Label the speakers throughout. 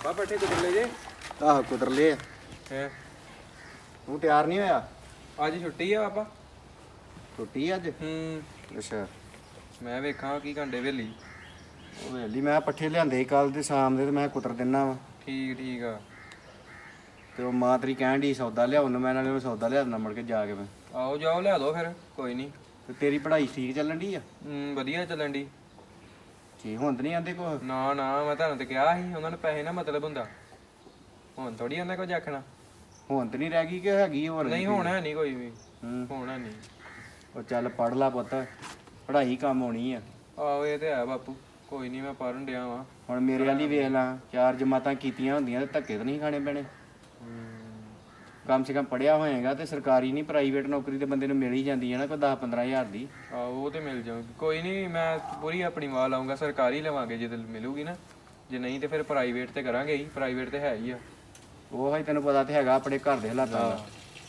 Speaker 1: ਆ ਪੱਠੇ ਕੁਤਰ ਲੈ ਜੇ।
Speaker 2: ਆਹ ਕੁਤਰ ਲਏ
Speaker 1: ਹੈ
Speaker 2: ਤੂੰ ਤਿਆਰ ਨਹੀਂ ਹੋਇਆ?
Speaker 1: ਅੱਜ ਛੁੱਟੀ ਆ ਪਾਪਾ।
Speaker 2: ਛੁੱਟੀ ਅੱਜ? ਅੱਛਾ।
Speaker 1: ਮੈਂ ਵੇਖਾਂ ਕੀ ਘੰਟੇ ਵੇਲੀ।
Speaker 2: ਉਹ ਵੇਲੀ ਮੈਂ ਪੱਠੇ ਲਿਆਂਦੇ ਕੱਲ ਤੇ ਸ਼ਾਮ ਦੇ ਤੇ ਮੈਂ ਕੁਤਰ ਦਿੰਨਾ ਵਾ।
Speaker 1: ਠੀਕ ਆ।
Speaker 2: ਤੇ ਉਹ ਮਾਂ ਤੇਰੀ ਕਹਿਣ ਡਈ ਸੌਦਾ ਲਿਆਉਣ ਨੂੰ, ਮੈਂ ਨਾਲੇ ਉਹਨੂੰ ਸੌਦਾ ਲਿਆ ਦਿੰਦਾ ਮੁੜ ਕੇ ਜਾ ਕੇ ਮੈਂ।
Speaker 1: ਆਓ ਜਾਓ ਲਿਆ ਦੋ ਫਿਰ, ਕੋਈ ਨਹੀਂ।
Speaker 2: ਤੇ ਤੇਰੀ ਪੜ੍ਹਾਈ ਠੀਕ ਚੱਲਣ ਡਈ ਆ?
Speaker 1: ਵਧੀਆ ਚੱਲਣ ਦੀ।
Speaker 2: ਜੀ ਹੁਣ ਤਾਂ ਨਹੀਂ ਆਂਦੇ ਕੁਛ?
Speaker 1: ਨਾ ਮੈਂ ਤੁਹਾਨੂੰ ਤੇ ਕਿਹਾ ਸੀ ਉਹਨਾਂ ਨੂੰ ਪੈਸੇ ਨਾ ਮਤਲਬ ਹੁੰਦਾ। ਹੁਣ ਥੋੜੀ ਉਹਨਾਂ ਕੁਝ ਆਖਣਾ।
Speaker 2: ਹੁਣ ਤਾਂ ਨਹੀਂ ਰਹਿ ਗਈ ਕਿ ਹੈਗੀ ਹੋਰ?
Speaker 1: ਨਹੀਂ ਹੁਣ ਹੈ ਨਹੀਂ ਕੋਈ ਵੀ।
Speaker 2: ਹੁਣ
Speaker 1: ਹੈ ਨਹੀਂ।
Speaker 2: ਉਹ ਚੱਲ ਪੜ੍ਹ ਲਾ ਪੁੱਤ, ਪੜ੍ਹਾਈ ਕੰਮ ਆਉਣੀ ਆ।
Speaker 1: ਆਹੋ ਇਹ ਤੇ ਹੈ ਬਾਪੂ, ਕੋਈ ਨਹੀਂ ਮੈਂ ਪੜ੍ਹਨ ਡਿਆ ਵਾਂ।
Speaker 2: ਹੁਣ ਮੇਰੇ ਵਾਲੀ ਵੇਖ ਲਾ, 4 ਜਮਾਤਾਂ ਕੀਤੀਆਂ ਹੁੰਦੀਆਂ ਤੇ ਧੱਕੇ ਤਾਂ ਨਹੀਂ ਖਾਣੇ ਪੈਣੇ। ਕਮ ਸੇ ਕਮ ਪੜ੍ਹਿਆ ਹੋਏਗਾ ਤੇ ਸਰਕਾਰੀ ਨਹੀਂ ਪ੍ਰਾਈਵੇਟ ਨੌਕਰੀ ਤੇ ਬੰਦੇ ਨੂੰ ਮਿਲ ਹੀ ਜਾਂਦੀ ਹੈ ਨਾ, ਕੋਈ 10-15 ਹਜ਼ਾਰ ਦੀ।
Speaker 1: ਆਹੋ ਉਹ ਤੇ ਮਿਲ ਜਾਊਗੀ, ਕੋਈ ਨਹੀਂ ਮੈਂ ਪੂਰੀ ਆਪਣੀ ਵਾਹ ਲਾਉਂਗਾ। ਸਰਕਾਰੀ ਲਵਾਂਗੇ ਜੇ ਮਿਲੂਗੀ ਨਾ, ਜੇ ਨਹੀਂ ਤੇ ਫਿਰ ਪ੍ਰਾਈਵੇਟ ਤੇ ਕਰਾਂਗੇ ਹੀ। ਪ੍ਰਾਈਵੇਟ ਤੇ ਹੈ ਹੀ ਆ।
Speaker 2: ਉਹ ਹੀ ਤੈਨੂੰ ਪਤਾ ਤੇ ਹੈਗਾ ਆਪਣੇ ਘਰ ਦੇ ਹਾਲਾਤਾਂ ਦਾ।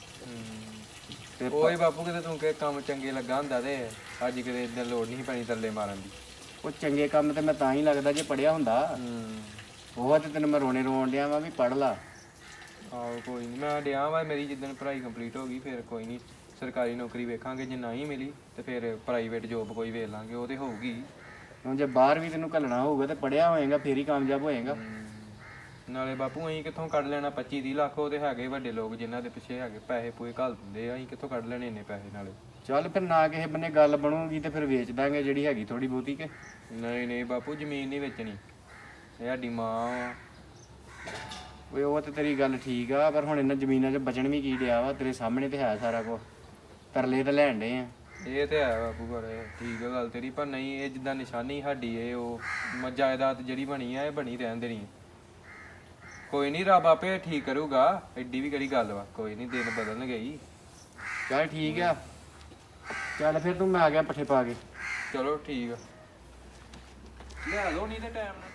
Speaker 1: ਤੇ ਓਏ ਬਾਪੂ ਕਿਤੇ ਤੂੰ ਕਿ ਕੰਮ ਚੰਗੇ ਲੱਗਾ ਹੁੰਦਾ ਤੇ ਅੱਜ ਕਿਤੇ ਇਦਾਂ ਲੋੜ ਨਹੀਂ ਪੈਣੀ ਤਰਲੇ ਮਾਰਨ ਦੀ।
Speaker 2: ਉਹ ਚੰਗੇ ਕੰਮ ਤੇ ਮੈਂ ਤਾਂ ਹੀ ਲੱਗਦਾ ਜੇ ਪੜ੍ਹਿਆ ਹੁੰਦਾ। ਉਹ ਤੇ ਤੈਨੂੰ ਮੈਂ ਰੋਣ ਡਿਆ ਵਾ ਵੀ ਪੜ੍ਹ ਲਾ।
Speaker 1: ਆਹੋ ਕੋਈ ਨਹੀਂ ਮੈਂ ਡਿਆ ਵਾ। ਮੇਰੀ ਜਿੱਦਣ ਪੜ੍ਹਾਈ ਕੰਪਲੀਟ ਹੋ ਗਈ ਫਿਰ ਕੋਈ ਨਹੀਂ ਸਰਕਾਰੀ ਨੌਕਰੀ ਵੇਖਾਂਗੇ। ਜੇ ਨਹੀਂ ਮਿਲੀ ਤੇ ਫਿਰ ਪ੍ਰਾਈਵੇਟ ਜੋਬ ਕੋਈ ਵੇਖ ਲਾਂਗੇ, ਉਹ ਤੇ ਹੋਊਗੀ।
Speaker 2: ਹੁਣ ਜੇ ਬਾਹਰ ਵੀ ਤੈਨੂੰ ਘੱਲਣਾ ਹੋਊਗਾ ਤੇ ਪੜ੍ਹਿਆ ਹੋਏਗਾ ਫੇਰ ਹੀ ਕਾਮਯਾਬ ਹੋਏਗਾ।
Speaker 1: ਨਾਲੇ ਬਾਪੂ ਅਸੀਂ ਕਿੱਥੋਂ ਕੱਢ ਲੈਣਾ 25-30 ਲੱਖ? ਉਹ ਤੇ ਹੈਗੇ ਵੱਡੇ ਲੋਕ ਜਿਨ੍ਹਾਂ ਦੇ ਪਿੱਛੇ ਹੈਗੇ ਪੈਸੇ ਪੂਏ ਘੱਲ ਦਿੰਦੇ ਆ। ਅਸੀਂ ਕਿੱਥੋਂ ਕੱਢ ਲੈਣੇ ਇੰਨੇ ਪੈਸੇ? ਨਾਲੇ
Speaker 2: ਚੱਲ ਫਿਰ ਨਾ ਕਿਸੇ ਬੰਨੇ ਗੱਲ ਬਣੂਗੀ ਤੇ ਫਿਰ ਵੇਚ ਦਾਂਗੇ ਜਿਹੜੀ ਹੈਗੀ ਥੋੜੀ ਬਹੁਤੀ ਕੇ।
Speaker 1: ਨਹੀਂ ਬਾਪੂ ਜ਼ਮੀਨ ਨਹੀਂ ਵੇਚਣੀ, ਇਹ ਸਾਡੀ ਮਾਂ।
Speaker 2: ਓਏ ਉਹ ਤੇ ਤੇਰੀ ਗੱਲ ਠੀਕ ਆ, ਪਰ ਹੁਣ ਇਹਨਾਂ ਜ਼ਮੀਨਾਂ 'ਚ ਬਚਣ ਵੀ ਕੀ ਡਿਆ ਵਾ? ਤੇਰੇ ਸਾਹਮਣੇ ਤੇ ਹੈ ਸਾਰਾ ਕੁਝ, ਤਰਲੇ ਤਾਂ ਲੈਣ ਡੇ ਆ।
Speaker 1: ਇਹ ਤੇ ਹੈ ਬਾਪੂ, ਪਰ ਠੀਕ ਆ ਗੱਲ ਤੇਰੀ। ਪਰ ਨਹੀਂ ਇਹ ਜਿੱਦਾਂ ਨਿਸ਼ਾਨੀ ਸਾਡੀ ਇਹ ਉਹ ਜਾਇਦਾਦ ਜਿਹੜੀ ਬਣੀ ਆ ਇਹ ਬਣੀ ਰਹਿਣ ਦੇਣੀ। ਕੋਈ ਨਹੀਂ ਰੱਬ ਆਪੇ ਠੀਕ ਕਰੂਗਾ, ਐਡੀ ਵੀ ਕਿਹੜੀ ਗੱਲ ਵਾ। ਕੋਈ ਨਹੀਂ ਦਿਨ ਬਦਲਣਗੇ ਹੀ।
Speaker 2: ਚੱਲ ਠੀਕ ਆ, ਚੱਲ ਫਿਰ ਤੂੰ ਮੈਂ ਆ ਗਿਆ ਪੱਠੇ ਪਾ ਕੇ।
Speaker 1: ਚਲੋ ਠੀਕ ਆ, ਲਿਆ ਦੋ ਨਹੀਂ ਤੇ ਟਾਈਮ ਨਾਲ।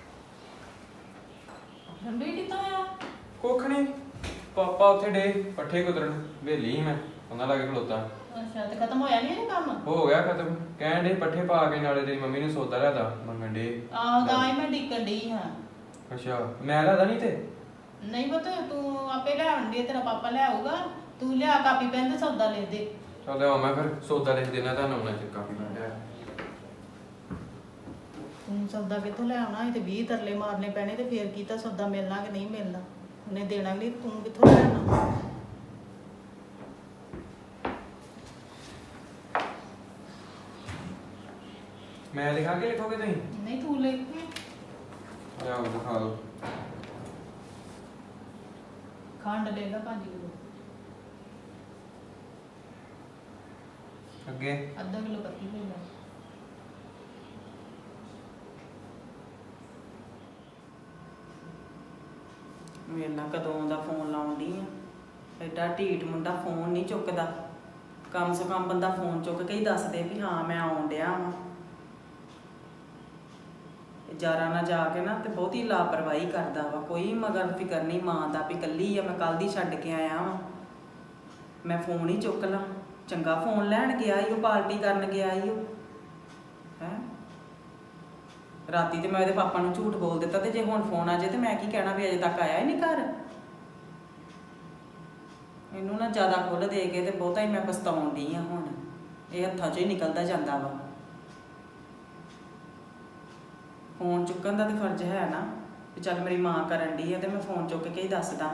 Speaker 3: ਰੰਬੀ ਕਿੱਥੋਂ ਆ?
Speaker 1: ਕੁੱਖ ਨਹੀਂ, ਪਾਪਾ ਉੱਥੇ ਡੇ ਪੱਠੇ ਕੁਤਰਨ। ਵੇਲੀ ਮੈਂ ਉਹਨਾਂ ਲਾਗੇ ਖਲੋਤਾ।
Speaker 3: ਅੱਛਾ ਤੇ ਖਤਮ ਹੋਇਆ ਨਹੀਂ ਇਹ ਕੰਮ?
Speaker 1: ਹੋ ਗਿਆ ਖਤਮ। ਕਹਿਣ ਡੇ ਪੱਠੇ ਪਾ ਕੇ ਨਾਲੇ ਤੇਰੀ ਮੰਮੀ ਨੂੰ ਸੌਦਾ ਲਿਆਦਾ ਮੰਗਣ ਡੇ।
Speaker 3: ਆਹੋ ਤਾਂ ਹੀ ਮੈਂ ਡਿੱਕਣ ਡਈ ਹਾਂ।
Speaker 1: ਅੱਛਾ ਮੈਂ ਲਿਆਦਾ ਨਹੀਂ ਤੇ?
Speaker 3: ਨਹੀਂ ਪੁੱਤ ਤੂੰ ਆਪੇ ਲੈ ਆਉਂਦੀ, ਤੇਰਾ ਪਾਪਾ ਲੈ ਆਊਗਾ। ਤੂੰ ਲਿਆ ਕਾਪੀ ਪੈਨ ਤੇ ਸੌਦਾ ਲਿਖ ਦੇ।
Speaker 1: ਚੱਲ ਲਿਆ ਮੈਂ ਫਿਰ ਸੌਦਾ ਲਿਖ ਦੇਣਾ ਤੁਹਾਨੂੰ ਉਹਨਾਂ ਚ ਕਾਪੀ ਮੈਂ ਲਿਆ।
Speaker 3: ਤੂੰ ਸੌਦਾ ਕਿੱਥੋਂ ਲੈ ਆਉਣਾ? ਇਹ ਤੇ 20 ਤਰਲੇ ਮਾਰਨੇ ਪੈਣੇ ਤੇ ਫੇਰ ਕੀਤਾ ਸੌਦਾ ਮਿਲਣਾ ਕਿ ਨਹੀਂ ਮਿਲਣਾ। ਉਹਨੇ ਦੇਣਾ ਨਹੀਂ, ਤੂੰ ਕਿੱਥੋਂ ਲੈ ਆਉਣਾ?
Speaker 1: ਮੈਂ ਲਿਖਾ ਕੇ ਲਿਖੋਗੇ ਤੁਸੀਂ?
Speaker 3: ਨਹੀਂ ਤੂੰ ਲਿਖ ਕੇ।
Speaker 1: ਲਿਆਓ ਦਿਖਾ ਦਿਓ।
Speaker 3: ਖੰਡ ਲੈ ਲਾ 5 ਕਿਲੋ,
Speaker 1: ਅੱਗੇ
Speaker 3: ਅੱਧਾ ਕਿਲੋ ਪੱਤੀ ਲੈ ਲਾ। ਮੇਰੇ ਨਾਲ ਕਦੋਂ ਦਾ ਫੋਨ ਲਾਉਂਦੀ ਆ, ਐਡਾ ਢੀਠ ਮੁੰਡਾ ਫੋਨ ਨਹੀਂ ਚੁੱਕਦਾ। ਕਮ ਸੇ ਕਮ ਬੰਦਾ ਫੋਨ ਚੁੱਕ ਕੇ ਹੀ ਦੱਸ ਦੇ ਵੀ ਹਾਂ ਮੈਂ ਆਉਣ ਡਿਆ ਵਾਂ। ਜਾਰਾ ਨਾ ਜਾ ਕੇ ਨਾ ਤੇ ਬਹੁਤੀ ਲਾਪਰਵਾਹੀ ਕਰਦਾ ਵਾ। ਕੋਈ ਮਗਰ ਫਿਕਰ ਨਹੀਂ ਮਾਂ ਦਾ ਵੀ ਇਕੱਲੀ ਆ, ਮੈਂ ਕੱਲ ਦੀ ਛੱਡ ਕੇ ਆਇਆ ਵਾਂ। ਮੈਂ ਫੋਨ ਹੀ ਚੁੱਕ ਲਾਂ। ਚੰਗਾ ਫੋਨ ਲੈਣ ਗਿਆ ਈ ਉਹ, ਪਾਰਟੀ ਕਰਨ ਗਿਆ ਈ ਉਹ ਹੈ। ਰਾਤੀ ਤੇ ਮੈਂ ਉਹਦੇ ਪਾਪਾ ਨੂੰ ਝੂਠ ਬੋਲ ਦਿੱਤਾ, ਤੇ ਜੇ ਹੁਣ ਫੋਨ ਆ ਜਾਏ ਤੇ ਮੈਂ ਕੀ ਕਹਿਣਾ ਵੀ ਅਜੇ ਤੱਕ ਆਇਆ ਹੀ ਨਹੀਂ ਘਰ। ਇਹਨੂੰ ਨਾ ਜ਼ਿਆਦਾ ਖੁੱਲ੍ਹ ਦੇ ਕੇ ਤੇ ਬਹੁਤਾ ਹੀ ਮੈਂ ਪਛਤਾਉਣ ਡਈ ਆ। ਹੁਣ ਇਹ ਹੱਥਾਂ 'ਚੋਂ ਹੀ ਨਿਕਲਦਾ ਜਾਂਦਾ ਵਾ। ਫੋਨ ਚੁੱਕਣ ਦਾ ਤੇ ਫਰਜ਼ ਹੈ ਨਾ ਵੀ ਚੱਲ ਮੇਰੀ ਮਾਂ ਕਰਨ ਡਈ ਆ ਤੇ ਮੈਂ ਫੋਨ ਚੁੱਕ ਕੇ ਹੀ ਦੱਸਦਾ।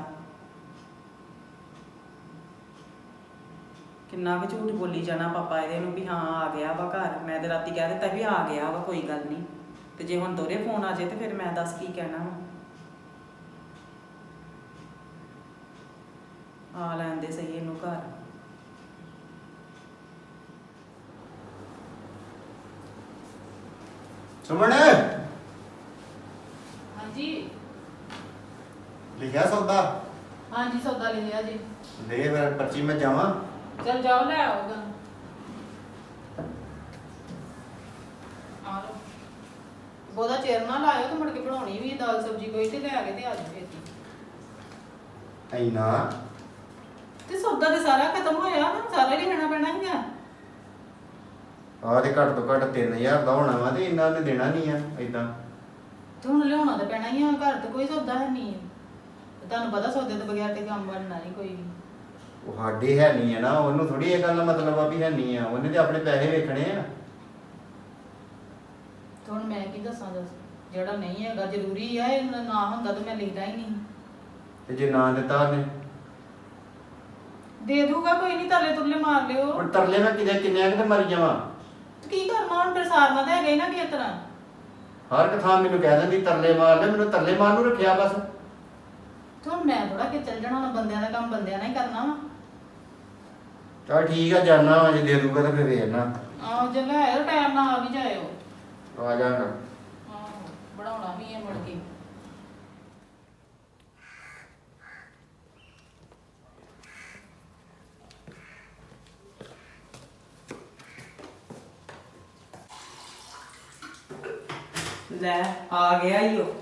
Speaker 3: ਕਿੰਨਾ ਕੁ ਝੂਠ ਬੋਲੀ ਜਾਣਾ ਪਾਪਾ ਇਹਦੇ ਨੂੰ ਵੀ ਹਾਂ ਆ ਗਿਆ ਵਾ ਘਰ। ਮੈਂ ਤੇ ਰਾਤੀ ਕਹਿ ਦਿੱਤਾ ਵੀ ਆ ਗਿਆ ਵਾ, ਕੋਈ ਗੱਲ ਨਹੀਂ। ਤੇ ਜੇ ਹੁਣ ਦੋਹਰੇ ਫੋਨ ਆ ਜਾਏ ਤੇ ਫਿਰ ਮੈਂ ਦੱਸ ਕੀ ਕਹਿਣਾ ਵਾ। ਆ ਲੈਂਦੇ ਸਹੀ ਇਹਨੂੰ ਘਰ।
Speaker 2: ਸੁਮਣ
Speaker 3: ਹਾਂਜੀ
Speaker 2: ਲਿਖਿਆ ਸੌਦਾ?
Speaker 3: ਹਾਂਜੀ ਸੌਦਾ ਲਿਖਿਆ ਜੀ।
Speaker 2: ਦੇ ਫਿਰ ਪਰਚੀ ਮੈਂ ਜਾਵਾਂ?
Speaker 3: ਚਲ ਜਾਓ ਲੈ ਆਓਗਾ। ਆ ਲਓ। ਬਹੁਤਾ ਚਿਰ ਨਾ ਲਾਇਓ ਤੇ ਮੁੜ ਕੇ ਬਣਾਉਣੀ ਵੀ ਦਾਲ ਸਬਜ਼ੀ ਕੋਈ ਤੇ ਲੈ ਕੇ ਤੇ ਆ ਜਾਓ ਇੱਥੇ।
Speaker 2: ਐਨਾ
Speaker 3: ਤੇ ਸੌਦਾ ਤੇ ਸਾਰਾ ਖਤਮ ਹੋਇਆ ਨਾ, ਸਾਰਾ ਹੀ ਲੈਣਾ ਪੈਣਾ ਹੈਗਾ।
Speaker 2: ਆਹ ਤੇ ਘੱਟ ਤੋਂ ਘੱਟ 3000 ਦਾ ਹੋਣਾ ਵਾ ਤੇ ਇੰਨਾ ਨੇ ਦੇਣਾ ਨਹੀਂ ਆ ਏਦਾਂ।
Speaker 4: ਤੇ ਹੁਣ ਲਿਆਉਣਾ ਤਾਂ ਪੈਣਾ ਹੀ ਆ, ਘਰ ਤੇ ਕੋਈ ਸੌਦਾ ਹੈ ਨਹੀਂ। ਤੇ ਤੁਹਾਨੂੰ ਪਤਾ ਸੌਦੇ ਤੋਂ ਬਗੈਰ ਤੇ ਕੰਮ ਬਣਨਾ ਨਹੀਂ ਕੋਈ ਵੀ।
Speaker 2: ਉਹ ਸਾਡੇ ਹੈ ਨਹੀਂ ਆ ਨਾ, ਉਹਨੂੰ ਥੋੜੀ ਇਹ ਗੱਲ ਦਾ ਮਤਲਬ ਆ ਵੀ ਹੈ ਨਹੀਂ ਆ, ਉਹਨੇ ਤੇ ਆਪਣੇ ਪੈਸੇ ਵੇਖਣੇ ਆ।
Speaker 4: ਤੇ ਹੁਣ ਮੈਂ ਕੀ ਦੱਸਾਂ ਦੱਸ, ਜਿਹੜਾ ਨਹੀਂ ਹੈਗਾ ਜ਼ਰੂਰੀ ਆ, ਇਹ ਨਾ ਹੁੰਦਾ ਤਾਂ ਮੈਂ ਲੈਣਾ ਹੀ ਨਹੀਂ।
Speaker 2: ਤੇ ਜੇ ਨਾ ਦਿੱਤਾ ਉਹਨੇ
Speaker 4: ਦੇ ਦੂਗਾ ਕੋਈ ਨਹੀਂ, ਤਰਲੇ ਤੁਰਲੇ ਮਾਰ ਲਿਓ।
Speaker 2: ਹੁਣ ਤਰਲੇ ਮੈਂ ਕਿੰਨੇ ਕਿਤੇ ਮਰ ਜਾਵਾਂ।
Speaker 4: ਤੇ ਕੀ ਕਰਨਾ ਹੁਣ, ਫਿਰ ਸਾਰਨਾ ਤਾਂ ਹੈਗਾ ਹੀ ਨਾ ਕਿਸ ਤਰ੍ਹਾਂ।
Speaker 2: ਹਰ ਇੱਕ ਥਾਂ ਮੈਨੂੰ ਕਹਿ ਦਿੰਦੀ ਤਰਲੇ ਮਾਰ ਲੈ, ਮੈਨੂੰ ਤਰਲੇ ਮਾਰਨ ਨੂੰ ਰੱਖਿਆ ਬਸ।
Speaker 4: ਤੇ ਹੁਣ ਮੈਂ ਥੋੜਾ ਕਿ ਚੱਲ ਜਾਣਾ, ਹੁਣ ਬੰਦਿਆਂ ਦਾ ਕੰਮ ਬੰਦਿਆਂ ਨਾਲ ਹੀ ਕਰਨਾ ਵਾ।
Speaker 2: ਚਲ ਠੀਕ ਆ, ਜਾਨਾ ਵਾ, ਜੇ ਦੇ ਦੂਗਾ ਤਾਂ ਫਿਰ ਵੇਖਣਾ।
Speaker 4: ਆਹੋ ਜੇ ਲੈ ਆਇਓ, ਟਾਈਮ ਨਾਲ ਆ ਵੀ ਜਾਇਓ।
Speaker 2: ਆ ਜਾਗਾ।
Speaker 4: ਆਹੋ ਬਣਾਉਣਾ ਵੀ ਹੈ ਮੁੜ ਕੇ।
Speaker 3: ਲੈ ਆ ਗਿਆ ਈ ਉਹ।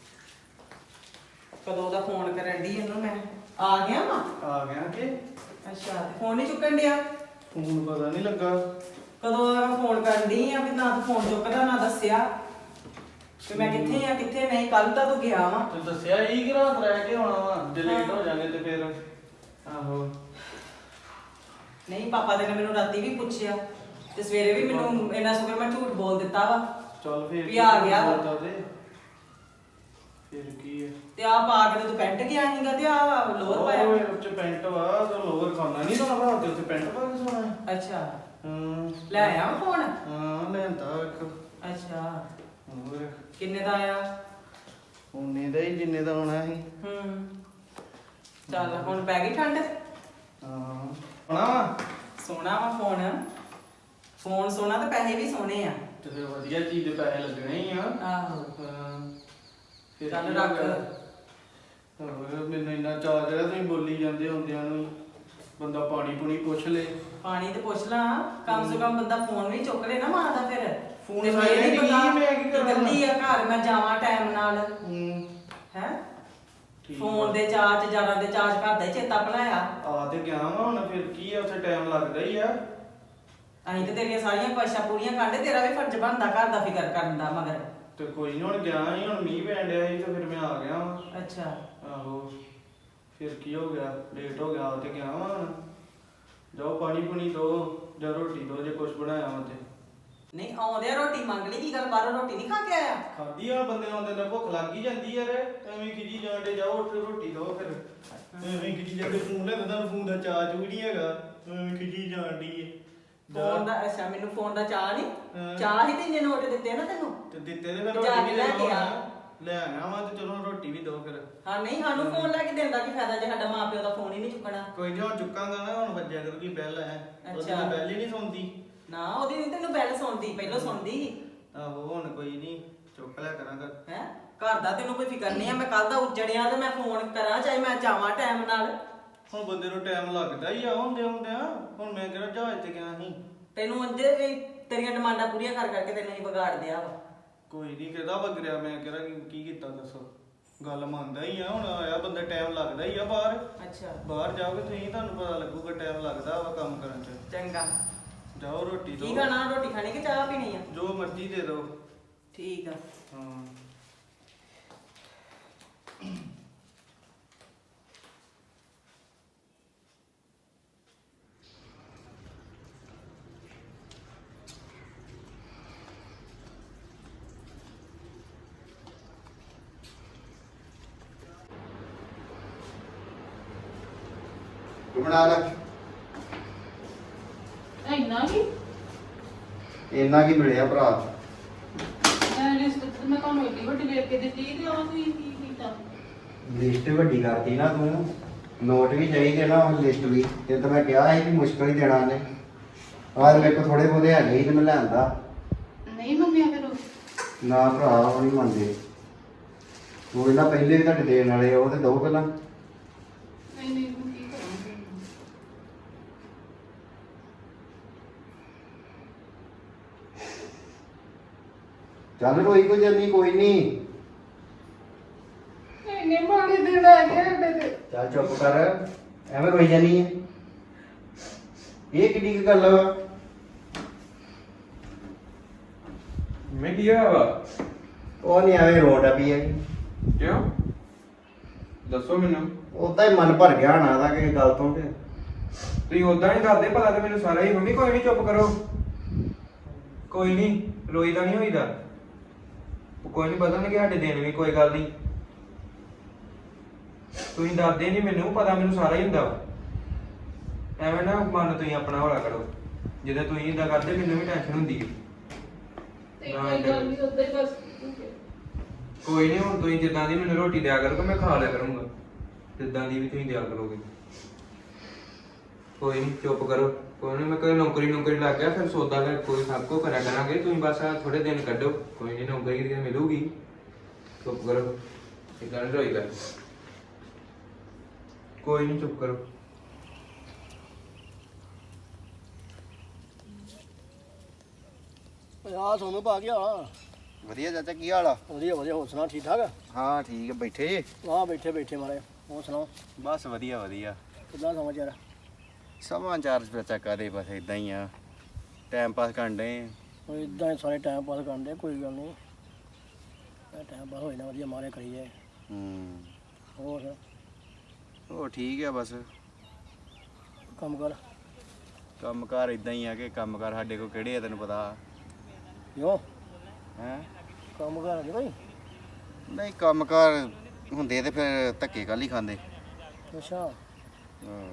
Speaker 3: ਕਦੋਂ ਦਾ ਫੋਨ ਕਰਨ ਦੀ ਇਹਨੂੰ ਮੈਂ। ਆ ਗਿਆ ਵਾ।
Speaker 5: ਆ ਗਿਆ ਕਿ
Speaker 3: ਅੱਛਾ ਫੋਨ ਨਹੀਂ ਚੁੱਕਣ ਡਿਆ।
Speaker 5: ਫੋਨ ਪਤਾ ਨਹੀਂ ਲੱਗਾ।
Speaker 3: ਕਦੋਂ ਦਾ ਮੈਂ ਫੋਨ ਕਰਨ ਦੀ ਆ ਵੀ ਨਾ ਤੂੰ ਫੋਨ ਚੁੱਕਦਾ ਨਾ ਦੱਸਿਆ ਕਿ ਮੈਂ ਕਿੱਥੇ ਆ ਕਿੱਥੇ ਨਹੀਂ। ਕੱਲ ਤਾਂ ਤੂੰ ਗਿਆ ਵਾ।
Speaker 5: ਤੇ ਦੱਸਿਆ ਹੀ ਕਿ ਰਾਤ ਰਹਿ ਕੇ ਆਉਣਾ ਵਾ, ਜੇ ਲੇਟ ਹੋ ਜਾਗੇ ਤੇ ਫਿਰ ਆਹੋ।
Speaker 3: ਨਹੀਂ ਪਾਪਾ ਨੇ ਮੈਨੂੰ ਰਾਤੀ ਵੀ ਪੁੱਛਿਆ ਤੇ ਸਵੇਰੇ ਵੀ ਮੈਨੂੰ ਇਹਨਾਂ ਸ਼ੁਕਰ ਮੈਂ ਝੂਠ ਬੋਲ ਦਿੱਤਾ ਵਾ
Speaker 5: ਚੱਲ ਫਿਰ
Speaker 3: ਵੀ ਆ ਗਿਆ ਵਾ।
Speaker 5: ਫਿਰ ਕੀ ਹੈ
Speaker 3: ਤੇ ਆ ਪਾ ਕੇ ਤੇ ਤੂੰ ਪੈਂਟ ਗਿਆ ਸੀਗਾ ਤੇ ਆ ਲੋਅਰ ਪਾਇਆ।
Speaker 5: ਉਹ ਉੱਚ ਪੈਂਟ ਵਾ ਤੇ ਲੋਅਰ ਖਾਣਾ ਨਹੀਂ ਤਾਂ ਰਾਤ ਦੇ ਉੱਤੇ ਪੈਂਟ ਪਾ ਕੇ ਸੋਣਾ ਹੈ।
Speaker 3: ਅੱਛਾ
Speaker 5: ਹਾਂ
Speaker 3: ਲੈ ਆਇਆ ਵਾ ਫੋਨ।
Speaker 5: ਹਾਂ ਲੈਂਦਾ ਇੱਕ।
Speaker 3: ਅੱਛਾ
Speaker 5: ਹੋਰ
Speaker 3: ਕਿੰਨੇ ਦਾ ਆਇਆ?
Speaker 5: ਉਹਨੇ ਦਾ ਹੀ ਜਿੰਨੇ ਦਾ ਆਉਣਾ ਸੀ।
Speaker 3: ਚੱਲ ਹੁਣ ਪੈ ਗਈ ਠੰਡ।
Speaker 5: ਹਾਂ ਆਣਾ
Speaker 3: ਸੋਹਣਾ ਵਾ ਫੋਨ। ਫੋਨ ਸੋਹਣਾ ਤੇ ਪੈਸੇ ਵੀ ਸੋਹਣੇ ਆ।
Speaker 5: ਤੇ ਫਿਰ ਵਧੀਆ ਚੀਜ਼ ਦੇ ਪੈਸੇ ਲੱਗਣੇ ਹੀ ਆ।
Speaker 3: ਆਹੋ
Speaker 5: ਹਾਂ ਫਿਰ
Speaker 3: ਚੱਲ
Speaker 5: ਕੀ
Speaker 3: ਰੱਖ।
Speaker 5: ਹੋ ਗਿਆ? ਹੋਰ ਮੈਨੂੰ ਇੰਨਾ ਚਾਅ ਜਿਹੜਾ ਤੁਸੀਂ ਬੋਲੀ ਜਾਂਦੇ ਹੁੰਦਿਆਂ ਨੂੰ ਹੀ। ਬੰਦਾ ਪਾਣੀ ਪੁਣੀ ਪੁੱਛ ਲੇ।
Speaker 3: ਪਾਣੀ ਤੇ ਪੁੱਛ ਲਾ। ਕਮ ਸੇ ਕਮ ਬੰਦਾ ਫੋਨ ਵੀ ਚੁੱਕ ਲੈ ਨਾ ਮਾਂ ਦਾ ਫਿਰ।
Speaker 5: ਫੋਨ
Speaker 3: ਤੇ
Speaker 5: ਸਾਈਡ
Speaker 3: ਇਹ ਨੀ
Speaker 5: ਤੇ
Speaker 3: ਪਤਾ
Speaker 5: ਕੀ ਮੈਂ ਕੀ
Speaker 3: ਕਿ
Speaker 5: ਕਰਾਂ?
Speaker 3: ਇਕੱਲੀ ਆ ਘਰ ਮੈਂ ਜਾਵਾਂ ਟਾਈਮ ਨਾਲ ਹੈ।
Speaker 5: ਠੀਕ
Speaker 3: ਫੋਨ
Speaker 5: ਆ।
Speaker 3: ਦੇ ਚਾਰਜ ਜਾਣਾ ਦੇ ਚਾਰਜ ਘਰ ਦਾ ਹੀ ਚੇਤਾ ਭੁਲਾਇਆ।
Speaker 5: ਆ ਤੇ ਗਿਆ ਵਾ ਹੁਣ ਫਿਰ ਕੀ ਆ, ਉੱਥੇ ਟਾਈਮ ਲੱਗਦਾ ਹੀ ਆ।
Speaker 3: ਅਸੀਂ ਤੇ ਤੇਰੀਆਂ ਸਾਰੀਆਂ ਖੁਆਇਸ਼ਾਂ ਪੂਰੀਆਂ ਕਰਦੇ। ਤੇਰਾ ਵੀ ਫਰਜ਼ ਬਣਦਾ ਘਰ ਦਾ ਫਿਕਰ ਕਰਨ ਦਾ ਮਗਰ।
Speaker 5: ਤੇ ਕੋਈ ਨੀ ਹੁਣ ਗਿਆ ਹੀ, ਹੁਣ ਮੀਂਹ ਪੈਣ ਡਿਆ ਸੀ ਤੇ ਫਿਰ ਮੈਂ ਆ ਗਿਆ ਵਾ।
Speaker 3: ਅੱਛਾ
Speaker 5: ਆਹੋ ਫਿਰ ਕੀ ਹੋ ਗਿਆ, ਲੇਟ ਹੋ ਗਿਆ ਤੇ ਗਿਆ ਵਾ ਹੁਣ। ਜਾਓ ਪਾਣੀ ਪੁਣੀ ਦੋ ਜਾਂ ਰੋਟੀ ਦੋ ਜੇ ਕੁਛ ਬਣਾਇਆ ਵਾ ਤੇ।
Speaker 3: ਨਹੀਂ ਆਉਂਦੇ ਰੋਟੀ ਮੰਗ ਲਈ। ਕੀ ਗੱਲ ਬਾਹਰੋਂ ਰੋਟੀ ਨਹੀਂ ਖਾ ਕੇ ਆਇਆ?
Speaker 5: ਖਾਦੀ ਆ ਬੰਦੇ ਆਉਂਦੇ ਨੇ, ਭੁੱਖ ਲੱਗ ਹੀ ਜਾਂਦੀ ਯਾਰ। ਐਵੇਂ ਖਿਜੀ ਜਾਂਦੇ, ਜਾਓ ਉੱਠ ਰੋਟੀ ਦੋ ਫਿਰ। ਐਵੇਂ ਖਿਜੀ ਜਾਂਦੇ, ਫੋਨ ਲੈ ਤੁਹਾਨੂੰ ਫੋਨ ਦਾ ਚਾਰਜ ਵੀ ਨਹੀਂ ਹੈਗਾ, ਐਵੇਂ ਖਿਜੀ ਜਾਂਦੀ ਏ।
Speaker 3: ਫੋਨ ਦਾ ਅੱਛਾ ਮੈਨੂੰ ਫੋਨ ਦਾ ਚਾਹ
Speaker 5: ਹਾਂ।
Speaker 3: ਨਹੀਂ। ਚਾਹ ਹੀ ਤੇ ਇੰਨੇ ਨੋਟ ਦਿੱਤੇ ਨਾ ਤੈਨੂੰ।
Speaker 5: ਤੇ ਦਿੱਤੇ ਤੇ ਫਿਰ
Speaker 3: ਜਾ
Speaker 5: ਰੋਟੀ
Speaker 3: ਕੇ
Speaker 5: ਵੀ
Speaker 3: ਲੈ ਕੇ ਆ।
Speaker 5: ਲੈ ਆਇਆ ਵਾ ਤੇ ਚਲੋ ਰੋਟੀ ਵੀ ਦੋ ਫਿਰ।
Speaker 3: ਹਾਂ ਨਹੀਂ ਸਾਨੂੰ ਫੋਨ ਲੈ ਕੇ ਦੇਣ ਦਾ ਕੀ ਫਾਇਦਾ ਜੇ ਸਾਡਾ ਮਾਪਿਓ ਦਾ ਫੋਨ ਹੀ ਨਹੀਂ ਚੁੱਕਣਾ।
Speaker 5: ਕੋਈ ਨਹੀਂ ਹੁਣ ਚੁੱਕਾਂਗਾ ਨਾ, ਹੁਣ ਵੱਜਿਆ ਕਰੂਗੀ ਬੈਲ ਹੈ। ਉਹਦੀ
Speaker 3: ਅੱਛਾ।
Speaker 5: ਤਾਂ ਬੈਲ ਹੀ ਨਹੀਂ ਸੁਣਦੀ।
Speaker 3: ਨਾ ਉਹਦੀ ਨਹੀਂ ਤੈਨੂੰ ਬੈਲ ਸੁਣਦੀ, ਪਹਿਲਾਂ ਸੁਣਦੀ ਸੀ।
Speaker 5: ਆਹੋ ਹੁਣ ਕੋਈ ਨਹੀਂ ਚੁੱਕ ਲਿਆ ਕਰਾਂਗਾ।
Speaker 3: ਹੈ ਘਰ ਦਾ ਤੈਨੂੰ ਕੋਈ ਫਿਕਰ ਨਹੀਂ ਆ। ਮੈਂ ਕੱਲ ਦਾ ਉੱਜੜਿਆ ਤੇ ਮੈਂ ਫੋਨ ਕਰਾਂ ਚਾਹੇ ਮੈਂ ਜਾਵਾਂ ਟਾਈਮ ਨਾਲ।
Speaker 5: ਹੁਣ ਬੰਦੇ ਨੂੰ ਟਾਈਮ ਲੱਗਦਾ ਹੀ ਆ ਹੁੰਦੇ ਹੁੰਦਿਆਂ। ਹੁਣ ਮੈਂ ਕਿਹੜਾ ਜਹਾਜ਼ ਤੇ ਗਿਆ ਸੀ।
Speaker 3: ਤੈਨੂੰ ਅੰਦੇ ਵੀ ਤੇਰੀਆਂ ਡਿਮਾਂਡਾਂ ਪੂਰੀਆਂ ਕਰ ਕਰਕੇ ਤੈਨੂੰ ਹੀ ਵਿਗਾੜ ਦਿਆ ਵਾ।
Speaker 5: ਕੋਈ ਨਹੀਂ ਕਿਹਦਾ ਵਗਰਿਆ, ਮੈਂ ਕਿਹੜਾ ਕੀ ਕੀਤਾ ਦੱਸੋ। ਗੱਲ ਮੰਨਦਾ ਹੀ ਆ, ਹੁਣ ਆਇਆ ਬੰਦਾ ਟਾਈਮ ਲੱਗਦਾ ਹੀ ਆ ਬਾਹਰ।
Speaker 3: ਅੱਛਾ
Speaker 5: ਬਾਹਰ ਜਾਓਗੇ ਤੁਸੀਂ, ਤੁਹਾਨੂੰ ਪਤਾ ਲੱਗੂਗਾ ਟਾਈਮ ਲੱਗਦਾ ਵਾ ਕੰਮ ਕਰਨ ਚ।
Speaker 3: ਚੰਗਾ
Speaker 5: ਜਾਓ ਰੋਟੀ
Speaker 3: ਕੀ
Speaker 5: ਦੋ।
Speaker 3: ਖਾਣਾ? ਰੋਟੀ ਖਾਣੀ ਕਿ ਚਾਹ ਪੀਣੀ ਆ?
Speaker 5: ਜੋ ਮਰਜ਼ੀ ਦੇ ਦਿਓ।
Speaker 3: ਠੀਕ ਆ।
Speaker 5: ਹਾਂ
Speaker 2: ਤੂੰ ਬਣਾ ਲੈ।
Speaker 4: ਇੰਨਾ ਕੀ
Speaker 2: ਇੰਨਾ ਕੀ ਮਿਲਿਆ ਭਰਾ?
Speaker 4: ਮੈਂ ਲਿਸਟ ਤੇ ਮੈਂ ਤੁਹਾਨੂੰ ਏਡੀ ਵੱਡੀ ਵੇਖ ਕੇ ਦਿੱਤੀ ਤੇ ਉਹ ਤੁਸੀਂ ਕੀ ਕੀਤਾ?
Speaker 2: ਲਿਸਟ ਵੱਡੀ ਕਰਤੀ ਨਾ ਤੂੰ। ਨੋਟ ਵੀ ਚਾਹੀਦੇ ਨਾ, ਉਹ ਲਿਸਟ ਵੀ। ਤੇ ਤਾਂ ਮੈਂ ਕਿਹਾ ਸੀ ਕਿ ਮੁਸ਼ਕਲ ਹੀ ਦੇਣਾ ਨੇ। ਆਹ ਮੇਰੇ ਕੋਲ ਥੋੜੇ ਬਹੁਤੇ ਹੈਗੇ ਸੀ ਤੇ ਮੈਂ ਲਿਆਂਦਾ।
Speaker 4: ਨਹੀਂ ਮੰਨਿਆ ਫਿਰ ਉਹ?
Speaker 2: ਨਾ ਭਰਾ ਉਹ ਨਹੀਂ ਮੰਨਦੇ। ਉਹ ਇਹਨਾਂ ਪਹਿਲੇ ਵੀ ਤੁਹਾਡੇ ਦੇਣ ਵਾਲੇ ਆ, ਉਹ ਤੇ ਦੋ ਪਹਿਲਾਂ।
Speaker 4: ਨਹੀਂ ਨਹੀਂ ਮੈਂ ਕੀ ਕਰਾਂ ਫਿਰ?
Speaker 2: ਚੱਲ ਰੋਈ ਕੋਈ ਜਾਨੀ, ਕੋਈ ਨਹੀਂ।
Speaker 4: ਇੰਨੇ ਮਾੜੇ ਦਿਨ ਆ ਗਏ ਸਾਡੇ ਤੇ।
Speaker 2: ਚੱਲ ਚੁੱਪ ਕਰ, ਐਵੇਂ ਰੋਈ ਜਾਨੀ ਹੈ। ਇਹ ਕਿੱਡੀ ਕੁ ਗੱਲ ਵਾ?
Speaker 1: ਮੈਂ ਕੀ ਹੋਇਆ ਵਾ?
Speaker 6: ਉਹ ਨਹੀਂ ਐਵੇਂ ਰੋਣ ਡਿਆ ਪਈ ਹੈਗੀ।
Speaker 1: ਕਿਉਂ ਦੱਸੋ ਮੈਨੂੰ।
Speaker 6: ਉਦਾਂ ਹੀ ਮਨ ਭਰ ਗਿਆ ਹੋਣਾ ਦਾ ਕਿਸੇ ਗੱਲ ਤੋਂ ਕਿ
Speaker 1: ਤੁਸੀਂ ਉਦਾਂ ਹੀ ਦੱਸਦੇ ਭਲਾ ਤੇ ਮੈਨੂੰ ਸਾਰਾ ਹੀ। ਮੰਮੀ ਕੋਈ ਨਹੀਂ ਚੁੱਪ ਕਰੋ, ਕੋਈ ਨਹੀਂ ਰੋਈਦਾ ਨਹੀਂ ਹੋਈਦਾ। ਕੋਈ ਨਹੀਂ ਬਦਲਣਗੇ ਸਾਡੇ ਦਿਨ ਵੀ, ਕੋਈ ਗੱਲ ਨਹੀਂ। ਤੁਸੀਂ ਦੱਸਦੇ ਨਹੀਂ ਮੈਨੂੰ, ਪਤਾ ਮੈਨੂੰ ਸਾਰਾ ਹੀ ਹੁੰਦਾ ਵਾ। ਐਵੇਂ ਨਾ ਮਨ ਤੁਸੀਂ ਆਪਣਾ ਹੌਲਾ ਕਰੋ। ਜਦੋਂ ਤੁਸੀਂ ਇਦਾਂ ਕਰਦੇ ਮੈਨੂੰ ਵੀ ਟੈਨਸ਼ਨ ਹੁੰਦੀ ਹੈ। ਨਾ ਏਦਾਂ ਕਰੋ। ਕੋਈ ਨਹੀਂ ਹੁਣ ਤੁਸੀਂ ਜਿੱਦਾਂ ਦੀ ਮੈਨੂੰ ਰੋਟੀ ਦਿਆ ਕਰੋਗੇ ਮੈਂ ਖਾ ਲਿਆ ਕਰੂੰਗਾ, ਜਿੱਦਾਂ ਦੀ ਵੀ ਤੁਸੀਂ ਦਿਆ ਕਰੋਗੇ। ਕੋਈ ਨਹੀਂ ਚੁੱਪ ਕਰੋ। ਕੋਈ ਨਹੀਂ ਮੈਂ ਕੋਈ ਨੌਕਰੀ ਲੱਗ ਗਿਆ ਫਿਰ ਸੌਦਾ ਲੈ ਕੋਈ ਸਭ ਕੁਝ ਕਰਿਆ ਕਰਾਂਗੇ। ਤੁਸੀਂ ਬਸ ਆ ਥੋੜੇ ਦਿਨ ਕੱਢੋ, ਕੋਈ ਨਹੀਂ ਨੌਕਰੀ ਦੀ ਮਿਲੂਗੀ। ਚੁੱਪ ਕਰੋ, ਇਦਾਂ ਨਹੀਂ ਰੋਈ ਕਰ। ਕੋਈ ਨਹੀਂ ਚੁੱਪ ਕਰੋ।
Speaker 7: ਆ ਸੋਨੂੰ ਪਾ ਗਿਆ
Speaker 6: ਵਧੀਆ ਚਾਚਾ ਕੀ ਹਾਲ ਆ?
Speaker 7: ਵਧੀਆ ਵਧੀਆ, ਹੋਰ ਸੁਣਾ ਠੀਕ ਠਾਕ?
Speaker 6: ਹਾਂ ਠੀਕ ਆ, ਬੈਠੇ ਜੇ?
Speaker 7: ਆ ਬੈਠੇ ਬੈਠੇ ਮਾਰੇ, ਹੋਰ ਸੁਣਾਓ
Speaker 2: ਬਸ ਵਧੀਆ ਵਧੀਆ।
Speaker 7: ਕਿੱਦਾਂ ਸਮਾਚਾਰ?
Speaker 2: ਸਮਾਚਾਰ ਚਾਚਾ ਕਾਦੇ ਬਸ ਇਦਾਂ ਹੀ ਆ, ਟਾਈਮ ਪਾਸ ਕਰਨ ਦੇ।
Speaker 7: ਉਹ ਇਦਾਂ ਹੀ ਸਾਰੇ ਟਾਈਮ ਪਾਸ ਕਰਦੇ, ਕੋਈ ਗੱਲ ਨਹੀਂ। ਟਾਈਮ ਪਾਸ ਹੋ ਜਾਣਾ ਵਧੀਆ, ਮਾਰੇ ਕਰੀ ਜਾਏ। ਹੋਰ
Speaker 2: ਉਹ ਠੀਕ ਆ ਬਸ।
Speaker 7: ਕੰਮ ਕਰ
Speaker 2: ਕੰਮਕਾਰ ਇਦਾਂ ਹੀ ਆ ਕਿ ਕੰਮਕਾਰ ਸਾਡੇ ਕੋਲ ਕਿਹੜੇ ਆ ਤੈਨੂੰ ਪਤਾ
Speaker 7: ਕਿਉਂ?
Speaker 2: ਹੈ
Speaker 7: ਕੰਮ ਕਰ ਨਹੀਂ ਕੋਈ?
Speaker 2: ਨਹੀਂ ਕੰਮਕਾਰ ਹੁੰਦੇ ਤੇ ਫਿਰ ਧੱਕੇ ਕੱਲ ਹੀ ਖਾਂਦੇ।
Speaker 7: ਅੱਛਾ
Speaker 2: ਹਾਂ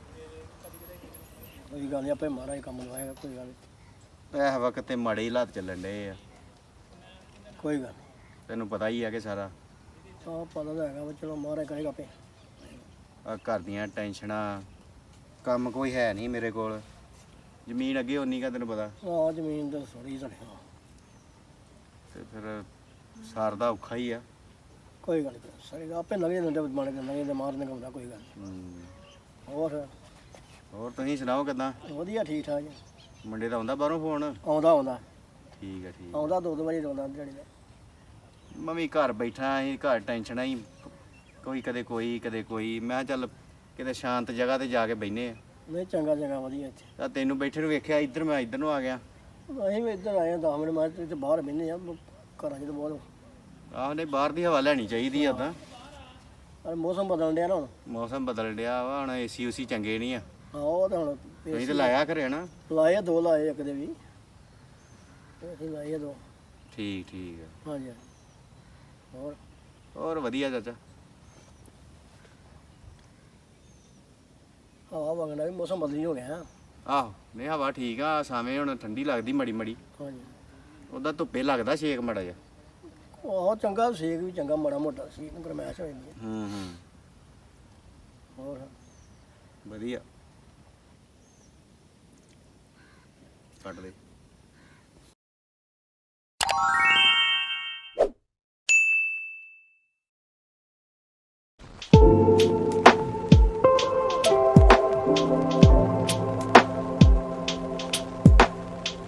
Speaker 7: ਕੋਈ ਗੱਲ ਨਹੀਂ, ਆਪੇ ਮਾਰਾ ਹੀ ਕੰਮ ਲਵਾਏਗਾ, ਕੋਈ ਗੱਲ ਨਹੀਂ।
Speaker 2: ਇਸ ਵਕਤ ਤੇ ਮਾੜੇ ਹੀ ਹਾਲਾਤ ਚੱਲਣ ਡਏ ਆ,
Speaker 7: ਕੋਈ ਗੱਲ ਨਹੀਂ,
Speaker 2: ਤੈਨੂੰ ਪਤਾ ਹੀ ਆ ਕਿ ਸਾਰਾ
Speaker 7: ਆਹ ਪਤਾ ਤਾਂ ਹੈਗਾ ਵਾ, ਚਲੋ ਮਾਰਾ ਕਰੇਗਾ ਆਪੇ।
Speaker 2: ਆ ਘਰ ਦੀਆਂ ਟੈਨਸ਼ਨਾਂ, ਕੰਮ ਕੋਈ ਹੈ ਨਹੀਂ ਮੇਰੇ ਕੋਲ। ਜ਼ਮੀਨ ਅੱਗੇ ਉਨੀ ਕਾ ਤੈਨੂੰ ਪਤਾ,
Speaker 7: ਆਹ ਜ਼ਮੀਨ ਤਾਂ ਥੋੜੀ ਸਾਡੇ ਕੋਲ।
Speaker 2: ਤੇ ਫਿਰ ਸਾਰਦਾ ਔਖਾ ਹੀ ਆ।
Speaker 7: ਕੋਈ ਗੱਲ ਨਹੀਂ, ਸਾਰੇ ਆਪੇ ਲਗੇ ਦਿੰਦੇ ਬਣ ਕੇ ਲਗੇ ਤੇ ਮਾਰਨੇ ਕੰਮ ਦਾ, ਕੋਈ ਗੱਲ ਨਹੀਂ। ਹੋਰ
Speaker 2: ਹੋਰ ਤੁਸੀਂ ਸੁਣਾਓ ਕਿੱਦਾਂ?
Speaker 7: ਵਧੀਆ ਠੀਕ ਠਾਕ ਜੀ।
Speaker 2: ਮੁੰਡੇ ਦਾ ਆਉਂਦਾ ਬਾਹਰੋਂ ਫੋਨ?
Speaker 7: ਆਉਂਦਾ
Speaker 2: ਠੀਕ ਆ ਠੀਕ।
Speaker 7: ਆਉਂਦਾ 2 ਵਜੇ ਆਉਂਦਾ ਦਿਹਾੜੀ ਦਾ।
Speaker 2: ਮੈਂ ਵੀ ਘਰ ਬੈਠਾ ਸੀ, ਘਰ ਟੈਨਸ਼ਨਾਂ ਹੀ ਕੋਈ ਕਦੇ ਕੋਈ। ਮੈਂ ਕਿਹਾ ਚੱਲ ਕਿਤੇ ਸ਼ਾਂਤ ਜਗ੍ਹਾ ਤੇ ਜਾ ਕੇ ਬਹਿਨੇ ਆ।
Speaker 7: ਨਹੀਂ ਚੰਗਾ ਵਧੀਆ ਇੱਥੇ।
Speaker 2: ਤਾਂ ਤੈਨੂੰ ਬੈਠੇ ਨੂੰ ਵੇਖਿਆ ਇੱਧਰ, ਮੈਂ ਇੱਧਰ ਨੂੰ ਆ ਗਿਆ।
Speaker 7: ਅਸੀਂ ਵੀ ਇੱਧਰ ਆਏ ਹਾਂ 10 ਮਿੰਟ ਮਾਰ ਤੇ ਬਾਹਰ ਬਹਿੰਦੇ ਆ ਘਰਾਂ 'ਚ ਤਾਂ ਬਹੁਤ।
Speaker 2: ਆਹੋ ਨਹੀਂ ਬਾਹਰ ਦੀ ਹਵਾ ਲੈਣੀ ਚਾਹੀਦੀ ਆ ਤਾਂ।
Speaker 7: ਪਰ ਮੌਸਮ ਬਦਲਣ ਡਿਆ ਨਾ ਹੁਣ।
Speaker 2: ਮੌਸਮ ਬਦਲ ਡਿਆ ਵਾ ਹੁਣ, ਏਸੀ ਉਸੀ ਚੰਗੇ ਨਹੀਂ ਆ।
Speaker 7: ਹਾਂ ਉਹ ਤਾਂ ਹੁਣ
Speaker 2: ਤੁਸੀਂ ਤਾਂ ਲਾਇਆ ਘਰੇ ਨਾ?
Speaker 7: ਲਾਏ 2 ਲਾਏ, ਇੱਕ ਦੇ ਵੀ ਅਸੀਂ ਲਾਏ 2।
Speaker 2: ਠੀਕ ਆ।
Speaker 7: ਹਾਂਜੀ
Speaker 2: ਹੋਰ ਵਧੀਆ ਚਾਚਾ।
Speaker 7: ਹਵਾ ਵਗਣਾ ਵੀ ਮੌਸਮ ਬਦਲੀ ਹੋ ਗਿਆ।
Speaker 2: ਆਹੋ ਨਹੀਂ ਹਵਾ ਠੀਕ ਆ, ਸਾਵੇਂ ਹੁਣ ਠੰਡੀ ਲੱਗਦੀ ਮੜੀ
Speaker 7: ਹਾਂਜੀ
Speaker 2: ਉਹਦਾ ਧੁੱਪੇ ਲੱਗਦਾ ਛੇਕ ਮੜਾ ਜਾ।
Speaker 7: ਉਹ ਚੰਗਾ ਸੇਕ ਵੀ ਚੰਗਾ, ਮਾੜਾ ਮੋਟਾ ਸੀ ਨੂੰ ਗਰਮੈਸ਼ ਹੋ ਜਾਂਦੀ ਹੈ। ਹੋਰ
Speaker 2: ਵਧੀਆ ਕੱਟ ਦੇ।